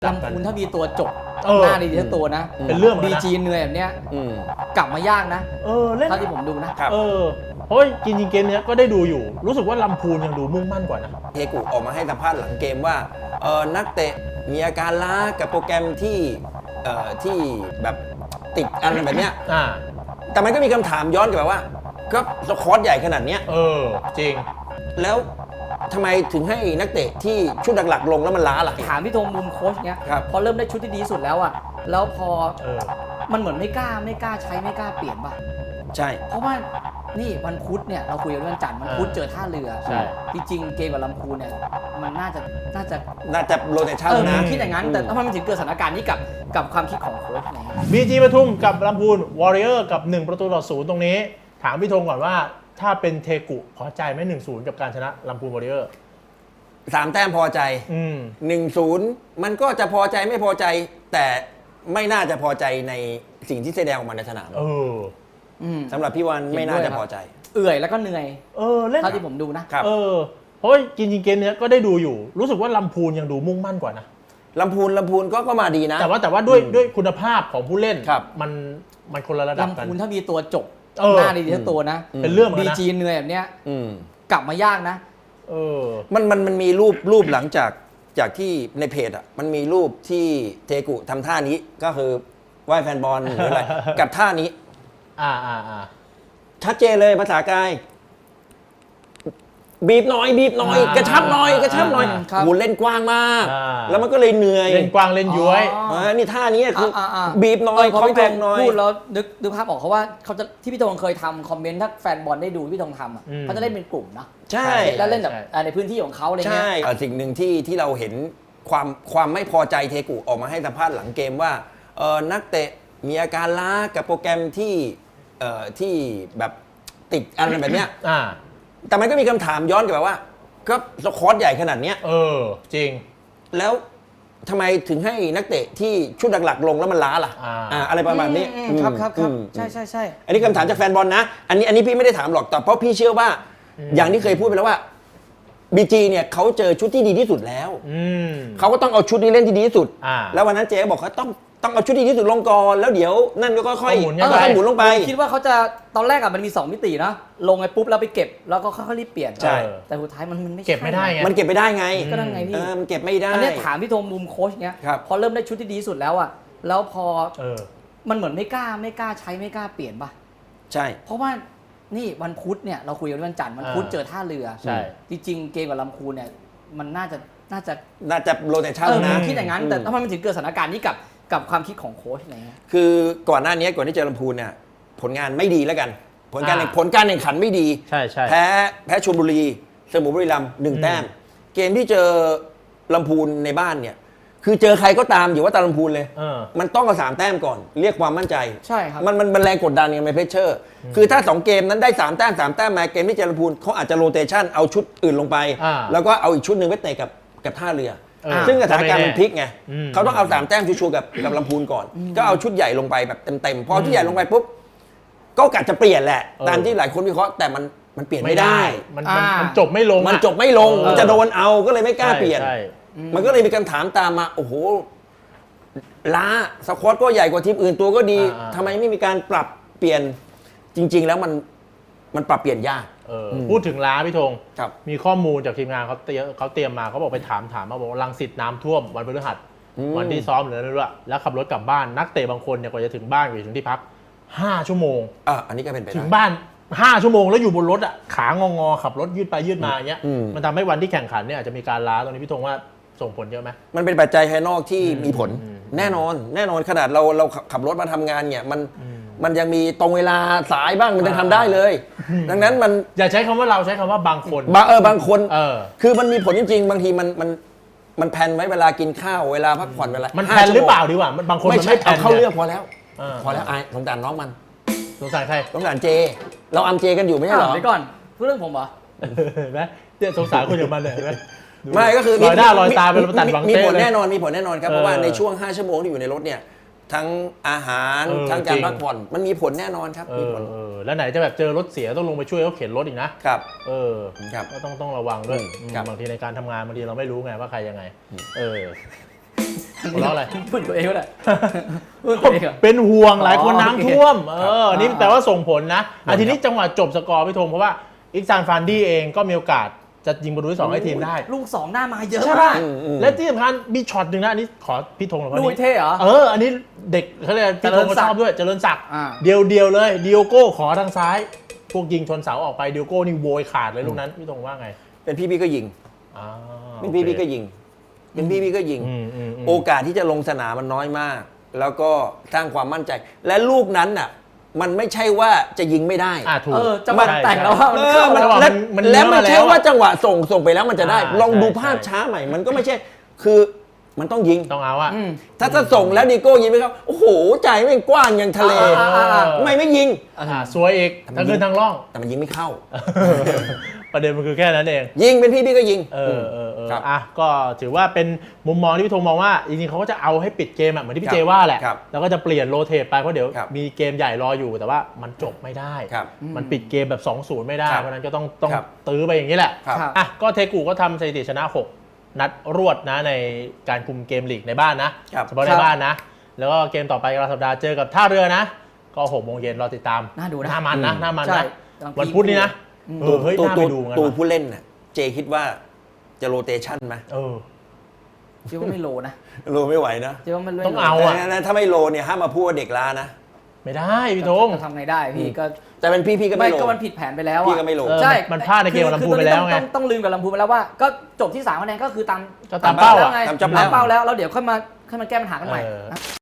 ลำพูนถ้ามีตัวจบหน้าดีทั้งตัวนะเป็นเรื่องบีจีเหนื่อยแบบเนี้ยกลับมายากนะเล่นเท่าที่ผมดูนะเพราะจริงๆเกมนี้ก็ได้ดูอยู่รู้สึกว่าลำพูนยังดูมุ่งมั่นกว่านะเทกุออกมาให้สัมภาษณ์หลังเกมว่านักเตะมีอาการล้ากับโปรแกรมที่แบบติดอะไรแบบเนี้ยแต่มันก็มีคำถามย้อนกลับไปว่าก็สควอตใหญ่ขนาดเนี้ยจริงแล้วทำไมถึงให้นักเตะที่ชุดหลักๆลงแล้วมันล้าล่ะถามพี่ธงมุมโค้ชเนี้ยพอเริ่มได้ชุดที่ดีสุดแล้วอ่ะแล้วพอมันเหมือนไม่กล้าใช้ไม่กล้าเปลี่ยนป่ะใช่เพราะว่านี่วันพุธเนี่ยเราคุยกันเรื่องจันทร์วันพุธเจอท่าเรือใช่จริงๆเกมกับลำพูนเนี่ยมันน่าจะโรเตชั่นนะคิดอย่างนั้นแต่ทำไมมันถึงเกิดสถานการณ์นี้กับความคิดของโค้ชไงบีจีปทุมกับลำพูนวอริเออร์กับ1-0ตรงนี้ถามพี่ธงก่อนว่าถ้าเป็นเทกุพอใจไหม1-0กับการชนะลำพูนวอริเออร์ 3 แต้มพอใจ1-0มันก็จะพอใจไม่พอใจแต่ไม่น่าจะพอใจในสิ่งที่แสดงออกมาในสนามสำหรับพี่วันไม่น่าจะพอใจเอื่อยแล้วก็เหนื่อยเล่นเท่าที่ผมดูนะเพราะจริงๆเกมนี้ก็ได้ดูอยู่รู้สึกว่าลำพูนยังดูมุ่งมั่นกว่านะลำพูนก็มาดีนะแต่ว่าด้วยคุณภาพของผู้เล่นมันคนละระดับกันลำพูนถ้ามีตัวจบหน้าดีทั้งตัวนะเป็นเรื่องบีจีเหนื่อยแบบเนี้ยกลับมายากนะมันมีรูปหลังจากที่ในเพจอ่ะมันมีรูปที่เทกุทำท่านี้ก็คือไหว้แฟนบอลหรืออะไรกับท่านี้ชัดเจนเลยภาษากายบีบหน่อยกระชับหน่อยโหเล่นกว้างมากแล้วมันก็เลยเหนื่อยเล่นกว้างเล่นย้วยนี่ท่านี้คือบีบหน่อยคอมแพงหน่อยพูดแล้วนึกภาพออกเขาว่าเขาจะที่พี่ธงเคยทำคอมเมนต์ถ้าแฟนบอลได้ดูพี่ธงทำเขาจะเล่นเป็นกลุ่มนะใช่แล้วเล่นแบบในพื้นที่ของเขาอะไรเงี้ยสิ่งหนึ่งที่เราเห็นความไม่พอใจเทกุออกมาให้สัมภาษณ์หลังเกมว่านักเตะมีอาการล้ากับโปรแกรมที่แบบติดอะไรแบบเนี้ยแต่มันก็มีคำถามย้อนกลับไปว่าก็สควอตใหญ่ขนาดเนี้ยจริงแล้วทำไมถึงให้นักเตะที่ชุดหลักๆลงแล้วมันล้าล่ะอะไรประมาณนี้ครับใช่อันนี้คำถามจากแฟนบอลนะอันนี้พี่ไม่ได้ถามหรอกแต่เพราะพี่เชื่อว่าอย่างที่เคยพูดไปแล้วว่าบีจีเนี่ยเขาเจอชุดที่ดีที่สุดแล้วเขาก็ต้องเอาชุดนี้เล่นที่ดีที่สุดแล้ววันนั้นเจ๊บอกเขาต้องเอาชุดที่ดีที่สุดลงก่อนแล้วเดี๋ยวนั่นก็ค่อยๆหมุนลงไปคิดว่าเขาจะตอนแรกอะมันมี2มิตินะลงไอ้ปุ๊บแล้วไปเก็บแล้วก็ค่อยๆรีบเปลี่ยนใช่แต่สุดท้ายมันไม่เก็บไม่ได้ไงมันเก็บไม่ได้ไงก็นั่นไงพี่มันเก็บไม่ได้อันนี้ถามพี่ธงมุมโค้ชเนี้ยพอเริ่มได้ชุดที่ดีสุดแล้วอะแล้วพอมันเหมือนไม่กล้าใช้ไม่กล้าเปลี่ยนป่ะใช่เพราะว่านี่วันพุธเนี่ยเราคุยกันวันจันทร์วันพุธเจอท่าเรือใช่จริงๆเกมกับลำพูนเนี่ยมันน่าจะโรเตชั่นนะคิดอย่างนั้นแต่ทำไมมันถึงเกิดสถานการณ์นี้กับความคิดของโค้ชอะไรเงี้ยคือก่อนหน้านี้ก่อนที่เจอลำพูนเนี่ยผลงานไม่ดีแล้วกันผลการแข่งขันไม่ดีใช่แพ้ชลบุรีเสมอบุรีรัมย์1 แต้มเกมที่เจอลำพูนในบ้านเนี่ยคือเจอใครก็ตามอยู่ว่าตาลำพูนเลยมันต้องเอา3 แต้มก่อนเรียกความมั่นใจใช่ครับมันแรงกดดันไงมันเพชเชอร์คือถ้า2 เกมนั้นได้3 แต้มมาเกมที่เจอลำพูนเขาอาจจะโรเตชั่นเอาชุดอื่นลงไปแล้วก็เอาอีกชุดหนึ่งไปเตะกับท่าเรือซึ่งสถานการณ์มันพลิกไงเขาต้องเอา3 แต้มชัวร์กับลำพูนก่อนก็เอาชุดใหญ่ลงไปแบบเต็มพอชุดใหญ่ลงไปปุ๊บก็กะจะเปลี่ยนแหละตามที่หลายคนวิเคราะห์แต่มันเปลี่ยนไม่ได้มันจบไม่ลงมันจะโดนเอาก็เลยไม่กล้าเปลี่ยนมันก็เลยมีคำถามตามมาโอ้โหล้าสควอตก็ใหญ่กว่าทีมอื่นตัวก็ดีทำไมไม่มีการปรับเปลี่ยนจริงๆแล้วมันปรับเปลี่ยนยากพูดถึงล้าพี่ธงมีข้อมูลจากทีมงานเขาเตรียมมาเขาบอกไปถามมาบอกรังสิตน้ำท่วมวันพฤหัสวันที่ซ้อมหรืออะไรไม่รู้แล้วขับรถกลับบ้านนักเตะบางคนเนี่ยกว่าจะถึงบ้านอยู่ถึงที่พัก5 ชั่วโมงอันนี้ก็เป็นไปได้ถึงบ้าน5 ชั่วโมงแล้วอยู่บนรถอ่ะขางอขับรถยืดไปยืดมาอย่างเงี้ยมันทำให้วันที่แข่งขันเนี่ยอาจจะมีการล้าตรงนี้พี่ธงว่าส่งผลเยอะไหมมันเป็นปัจจัยภายนอกที่มีผลแน่นอนขนาดเราขับรถมาทำงานเนี่ยมันยังมีตรงเวลาสายบ้างมันยังทำได้เลยดังนั้นมันอย่าใช้คำว่าเราใช้คำว่าบางคนบางคนคือมันมีผลจริงๆบางทีมันแพลนไว้เวลากินข้าวเวลาพักผ่อนเวลามันแพลนหรือเปล่าดีกว่าบางคนไม่ใช่เอาเข้าเรื่องพอแล้วอายสงสารน้องมันสงสารใครสงสารเจเราอัมเจกันอยู่ไม่ใช่หรอไปก่อนพูดเรื่องผมเหรอเห็นไหมเนี่ยสงสารคนอย่างมันเลยเห็นไหมไม่ก็คือลอยหน้าลอยตาเป็นตัดบังมีผลแน่นอนครับเพราะว่าในช่วง5 ชั่วโมงที่อยู่ในรถเนี่ยทั้งอาหารทั้งการพักผ่อนมันมีผลแน่นอนครับมีผลแล้วไหนจะแบบเจอรถเสียต้องลงไปช่วยเขาเข็นรถอีกนะครับก็ต้องระวังด้วยบางทีในการทำงานบางทีเราไม่รู้ไงว่าใครยังไงหัวเราะอะไรพูดตัวเองก็ได้พูดตัวเองเหรอเป็นห่วงหลายคนอ๋อน้ำท่วมนี่แปลว่าส่งผลนะครับทีนี้จังหวะจบสกอร์พี่ธงเพราะว่าอิกซานฟานดี้เองก็มีโอกาสจะยิงประตูที่2ให้ทีมได้ลูก 2 หน้ามาเยอะใช่มาป่ะกและที่สำคัญมีช็อตหนึ่งนะอันนี้ขอพี่ธงหน่อยลูกวันนี้เท่เหรออันนี้เด็กเขาเรียกพี่ธงก็ชอบด้วยเจริญศักดิ์อ่าเดียวเลยดิโอโก้ขอทางซ้าย พวกยิงชนเสาออกไปดิโอโก้นี่โวยขาดเลยลูกนั้นพี่ธงว่าไงเป็นพี่ก็ยิงอ่าเป็นพี่ก็ยิง เป็นพี่ก็ยิงอืมโอกาสที่จะลงสนามมันน้อยมาก แล้วก็สร้างความมั่นใจ และลูกนั้นน่ะมันไม่ใช่ว่าจะยิงไม่ได้ถูกจังหวะแต่งแล้วว่ามันเข้าจังหวะมันและไม่เนื้อมาแล้วใช่ว่าจังหวะส่งไปแล้วมันจะได้ ลองดูใช่ภาพช้าใหม่ มันก็ไม่ใช่คือมันต้องยิงต้องเอาอะถ้าส่งแล้วดีโก้ยิงไม่เข้าโอ้โหใจแม่งกว้างอย่างทะเลทำไมไม่ยิงสวยอีกทั้งขึ้นทั้งล่องแต่มันยิงไม่เข้าประเด็นมันคือแค่นั้นเองยิงเป็นพี่ก็ยิง ครับก็ถือว่าเป็นมุมมองที่พี่ธงมองว่าจริงๆเขาก็จะเอาให้ปิดเกมเหมือนที่พี่เจว่าแหละครับแล้วก็จะเปลี่ยนโรเทตไปเพราะเดี๋ยวครับมีเกมใหญ่รออยู่แต่ว่ามันจบไม่ได้ครับมันปิดเกมแบบ 2-0 ไม่ได้ครับเพราะฉะนั้นก็ต้องครับตื้อไปอย่างนี้แหละครับอ่ะก็เทกูก็ทำสถิติชนะ 6 นัดรวดนะในการคุมเกมลีกในบ้านนะครับ เฉพาะในบ้านนะ แล้วก็เกมต่อไปกลางสัปดาห์เจอกับท่าเรือนะ ก็6 โมงเย็นรอติดตามน่าดูนะหน้ามันนะอืมหน้ามันใช่นะกำลังวันพุธนี้นะเฮ้ยตัวน่าไปดูกันตัวว่ะผู้เล่นน่ะเจคิดว่าจะโรเตชันไหมคิดว่าไม่โลนะโรไม่ไหวนะคิดว่ามันไม่ต้องโลเอาอะแต่ถ้าไม่โรเนี่ยห้ามมาพูดว่าเด็กล้านะไม่ได้พี่ธงจะทำไงได้พี่ก็แต่เป็นพี่ก็ไม่ไม่โรก็มันผิดแผนไปแล้วพี่อะก็ไม่โรเออใช่มันพลาดในเกมกับลำพูนไปแล้วไงต้องลืมกับลำพูนไปแล้วว่าก็จบที่3คะแนนก็คือตามก็ตามเป้าอะไงตามเป้าเป้าแล้วเดี๋ยวค่อยมาแก้ปัญหากันใหม่เออนะ